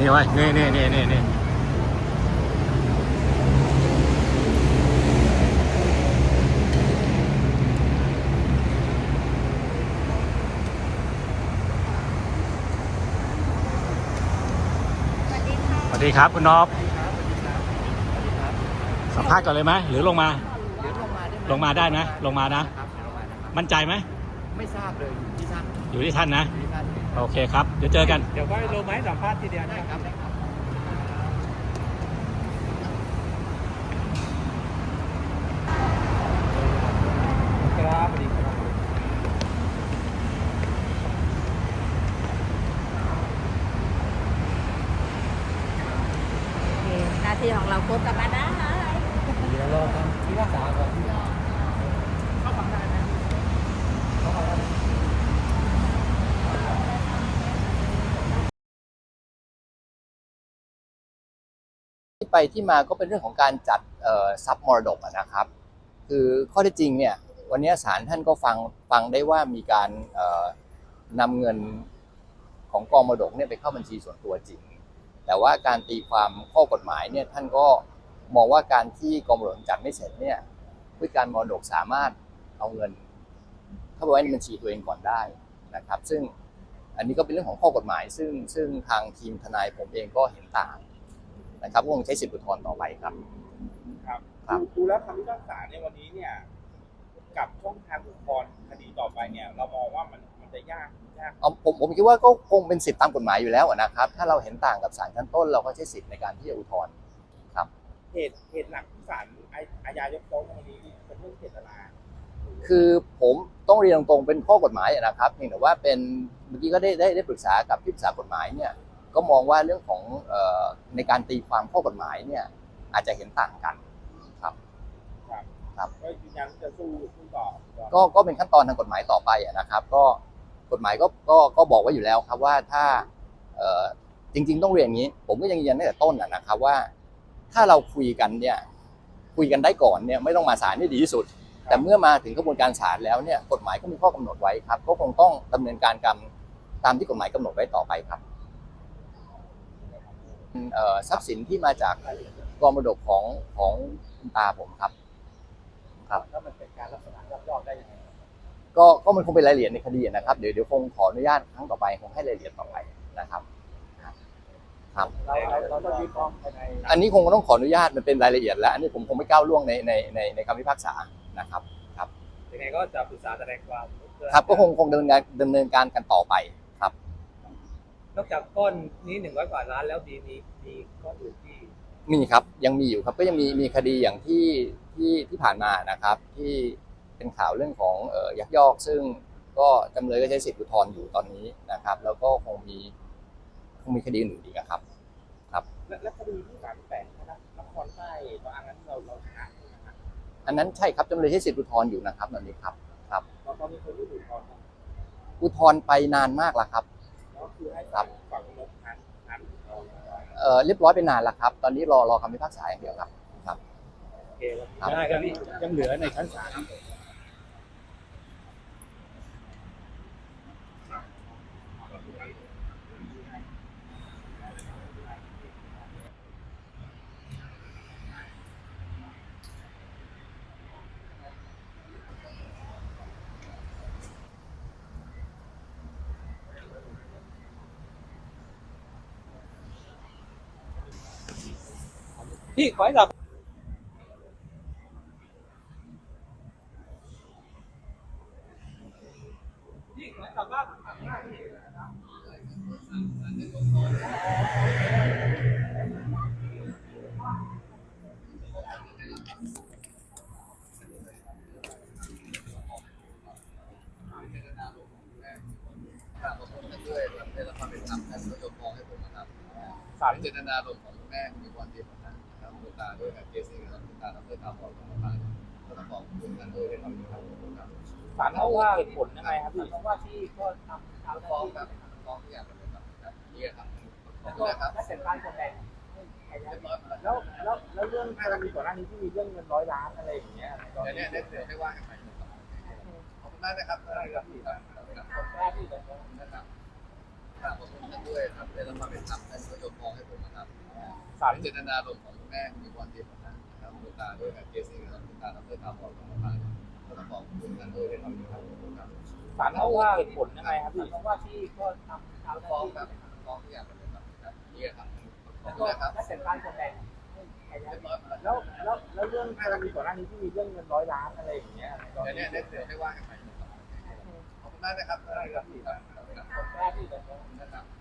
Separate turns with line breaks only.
นี่ไว้นี่สวัสดีครับคุณนพสัมภาษณ์ก่อนเลยไหมหรือลงมา
เดี๋ยว
ลงมาได้ไหมลงมานะมั่นใจไหม
ไม่ทราบเลยอยู่ที่ท่าน
อยู่ที่ท่านนะ
อยู่ที่ท่าน
โอเคครับเดี๋ยวเจอกัน
เดี๋ยวก็ลงมาให้สัมภาษณ์ทีเดียว
ได้ครับได้ครับ
ครับสวัสดีครับ
หน้าที่ของเราครบกลับมาได้
เดี๋ยวรอทำที่รักษาก่อนเข้าฟังได้ไหมเข้าฟังได้
ที่ไปที่มาก็เป็นเรื่องของการจัดทรัพย์มรดกนะครับคือข้อเท็จจริงเนี่ยวันนี้ศาลท่านก็ฟังได้ว่ามีการนำเงินของกองมรดกเนี่ยไปเข้าบัญชีส่วนตัวจริงแต่ว่าการตีความข้อกฎหมายเนี่ยท่านก็มองว่าการที่กองมรดกจัดไม่เสร็จเนี่ยผู้จัดการมรดกสามารถเอาเงินเข้าไปไว้ในบัญชีตัวเองก่อนได้นะครับซึ่งอันนี้ก็เป็นเรื่องของข้อกฎหมายซึ่งทางทีมทนายผมเองก็เห็นต่างนะครับก็คงใช้สิทธิอุทธรณ์ต่อไปครับ
ดูแล้วคำพิพากษาในวันนี้เนี่ยกับช่องทางอุทธรณ์คดีต่อไปเนี่ยเรามองว่ามันจะยาก
ผมคิดว่าก็คงเป็นสิทธิตามกฎหมายอยู่แล้วนะครับถ้าเราเห็นต่างกับศาลชั้นต้นเราก็ใช้สิทธิในการที่จะอุทธรณ์ครับ
เหตุหลักที่ศาลอาญายกฟ้องในวันนี้เป็นเรื่องเจตนา
คือผมต้องเรียนตรงๆเป็นข้อกฎหมายนะครับเพียงแต่ว่าเป็นเมื่อกี้ก็ได้ปรึกษากับที่ปรึกษากฎหมายเนี่ยก็มองว่าเรื่องของในการตีความข้อกฎหมายเนี่ยอาจจะเห็นต่างกันครับ
ก็ยืนยันจะสู้ต่อ
ก็เป็นขั้นตอนทางกฎหมายต่อไปนะครับก็กฎหมายก็บอกไว้อยู่แล้วครับว่าถ้าจริงๆต้องเรียนอย่างนี้ผมก็ยังยืนยันตั้งแต่ต้นนะครับว่าถ้าเราคุยกันได้ก่อนเนี่ยไม่ต้องมาศาลนี่ดีที่สุดแต่เมื่อมาถึงกระบวนการศาลแล้วเนี่ยกฎหมายก็มีข้อกำหนดไว้ครับก็คงต้องดำเนินการตามที่กฎหมายกำหนดไว้ต่อไปครับทรัพย์สินที่มาจากกองมรดกของคุณตาผมครับ
แล้วมันเป็นการลักษณะยักยอกได้ยังไง
ก็มันคงเป็นรายละเอียดในคดีนะครับเดี๋ยวคงขออนุญาตครั้งต่อไปคงให้รายละเอียดต่อไปนะครับ
เราต้องยื่นฟ้องภายใน
อันนี้คงต้องขออนุญาตมันเป็นรายละเอียดแล้วอันนี้ผมคงไม่ก้าวล่วงในคำพิพากษานะครับ
ยังไงก็จะปรึกษาแสดงความ
ครับก็คงดำเนินการกันต่อไปครับ
นอกจากก้อนนี้100 กว่าล้านแล้วมีก้อนอื่นที่
มีครับยังมีอยู่ครับก็ยังมีคดีอย่างที่ผ่านมานะครับที่เป็นข่าวเรื่องของยักยอกซึ่งก็จำเลยก็ใช้สิทธิอุทธรณ์อยู่ตอนนี้นะครับแล้วก็คงมีคดีอื่นอีกครับ
และคดีที่38นะครับนครใต้ตอนนั้นเราชนะ
อันนั้นใช่ครับจำเลยใช้สิทธิอุทธรณ์อยู่นะครับตอนนี้ครับ
ตอนนี้คนที่อุทธรณ์
ไปนานมากแล้วครับ
ก็คือให้ฝั่งลบทาง
เรียบร้อยไปนานแล้วครับตอนนี้รอคำพิพากษาอย่างเดียวครับ
โอเคได้ครับพี่ยังเหลือในชั้นศาลพี่ขอให้เรา
ศาลเจตนาลมของแม่มีความดีของนั้นนะครับคุณตาด้วยกับเคสนี้ครับคุณตาทำด้วยตามบอกของตาก็ต้องบอกคุณกันด้วยความดีครับ
ศาลเขาว่าเหตุผลยังไงครับพี่เพราะว่าที่ก็ทำ
ฟ้องแบบฟ้องทุกอย่างเลยครับนี่ครับขอบคุณนะครับ
และเสร็จการแสดงแล้วเรื่องกรณีก่อนหน้านี้ที่มีเรื่องเงิน100 ล้านอะไรอย่างเงี้ย
เดี๋ยวได้ว่ากันไปขอบคุณมากนะครับ
ได้ครับ
ขอบคุณท่านด้วยครับแต่ละความเป็นธรรมท่านก็ยกมองให้ผมนะครับ
ศาล
เจตนาลมณ์ของคุณแม่มีความดีของท่านนะครับคุณตาด้วยกับเคสนี้ครับคุณตาทำด้วยความบอกของท่านก็ต้องบอกคุณท่านด้วยในความดีครับ
ศาลให้ว่าเหตุผลยังไงครับพี่
เพราะว่าที่ก็ทำ
ฟ้องครับฟ้องทุกอย่างเลยครับนี่ครับขอบคุณนะครับ
และเสร็จการแสดง
เรียบร้อย
แล้วเรื่องกรณีก่อนหน้านี้ที่มีเรื่องเงิน100 ล้านอะไรอย่างเงี้ย
เดี๋ยวเนี่ยเดี๋ยวให้ว่ากันใหม่ขอบคุณมากนะครับ
แรกที่จะ
นะครับ